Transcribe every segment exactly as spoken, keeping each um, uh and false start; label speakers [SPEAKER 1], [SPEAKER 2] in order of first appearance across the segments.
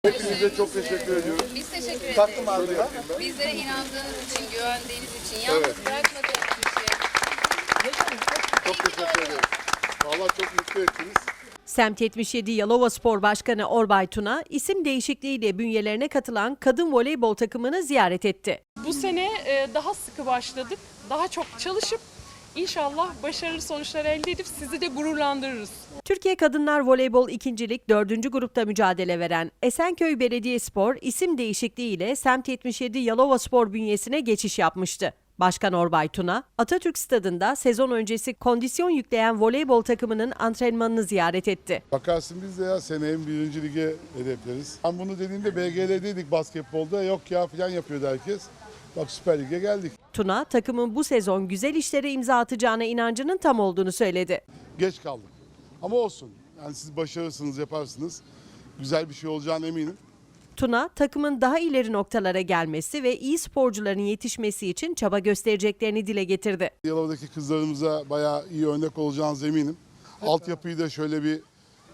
[SPEAKER 1] Hepinize çok teşekkür ediyoruz.
[SPEAKER 2] Biz teşekkür ederiz.
[SPEAKER 1] Taktım ağzına.
[SPEAKER 2] Bizlere inandığınız için, güvendiğiniz için, yalnız
[SPEAKER 1] Evet.
[SPEAKER 2] bırakmadığınız için.
[SPEAKER 1] Çok teşekkür ederim. Vallahi çok mutlu ettiniz.
[SPEAKER 3] Semt yetmiş yedi Yalovaspor Başkanı Orbay Tuna, isim değişikliğiyle bünyelerine katılan kadın voleybol takımını ziyaret etti.
[SPEAKER 4] Bu sene daha sıkı başladık. Daha çok çalışıp inşallah başarılı sonuçlar elde edip sizi de gururlandırırız.
[SPEAKER 3] Türkiye Kadınlar Voleybol ikincilik dördüncü grupta mücadele veren Esenköy Belediyespor isim değişikliğiyle Semt yetmiş yedi Yalovaspor bünyesine geçiş yapmıştı. Başkan Orbay Tuna, Atatürk Stadı'nda sezon öncesi kondisyon yükleyen voleybol takımının antrenmanını ziyaret etti.
[SPEAKER 1] Bakarsın biz de ya seneye birinci lige hedefleriz. Ben bunu dediğimde B G L'deydik basketbolda. Yok ya falan yapıyordu herkes. Bak Süper Lig'e geldik.
[SPEAKER 3] Tuna, takımın bu sezon güzel işlere imza atacağına inancının tam olduğunu söyledi.
[SPEAKER 1] Geç kaldık. Ama olsun. Yani siz başarırsınız, yaparsınız. Güzel bir şey olacağına eminim.
[SPEAKER 3] Tuna, takımın daha ileri noktalara gelmesi ve iyi sporcuların yetişmesi için çaba göstereceklerini dile getirdi.
[SPEAKER 1] Yalova'daki kızlarımıza bayağı iyi örnek olacağınız eminim. Altyapıyı da şöyle bir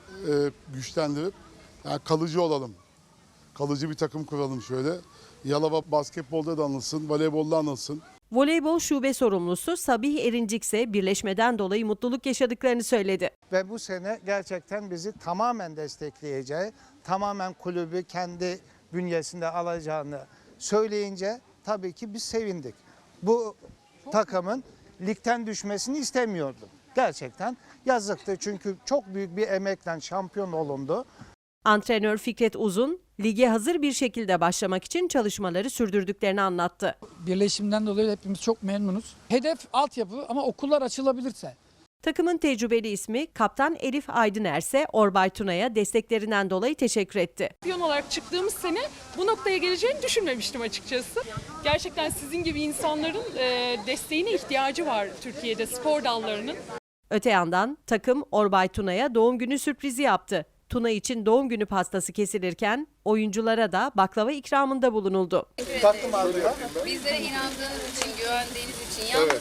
[SPEAKER 1] e, güçlendirip yani kalıcı olalım. Kalıcı bir takım kuralım şöyle. Yalova basketbolda da anılsın, voleybolda anılsın.
[SPEAKER 3] Voleybol şube sorumlusu Sabih Erincik ise birleşmeden dolayı mutluluk yaşadıklarını söyledi.
[SPEAKER 5] Ve bu sene gerçekten bizi tamamen destekleyeceği, tamamen kulübü kendi bünyesinde alacağını söyleyince tabii ki biz sevindik. Bu takımın ligden düşmesini istemiyordum. Gerçekten yazıktı çünkü çok büyük bir emekle şampiyon olundu.
[SPEAKER 3] Antrenör Fikret Uzun, lige hazır bir şekilde başlamak için çalışmaları sürdürdüklerini anlattı.
[SPEAKER 6] Birleşimden dolayı hepimiz çok memnunuz. Hedef altyapı ama okullar açılabilirse.
[SPEAKER 3] Takımın tecrübeli ismi Kaptan Elif Aydıner ise Orbay Tuna'ya desteklerinden dolayı teşekkür etti.
[SPEAKER 4] Şampiyon olarak çıktığımız sene bu noktaya geleceğini düşünmemiştim açıkçası. Gerçekten sizin gibi insanların desteğine ihtiyacı var Türkiye'de spor dallarının.
[SPEAKER 3] Öte yandan takım Orbay Tuna'ya doğum günü sürprizi yaptı. Tuna için doğum günü pastası kesilirken oyunculara da baklava ikramında bulunuldu.
[SPEAKER 1] Taktım ağzına.
[SPEAKER 2] Bizlere inandığınız için, güvendiğiniz için, yalnız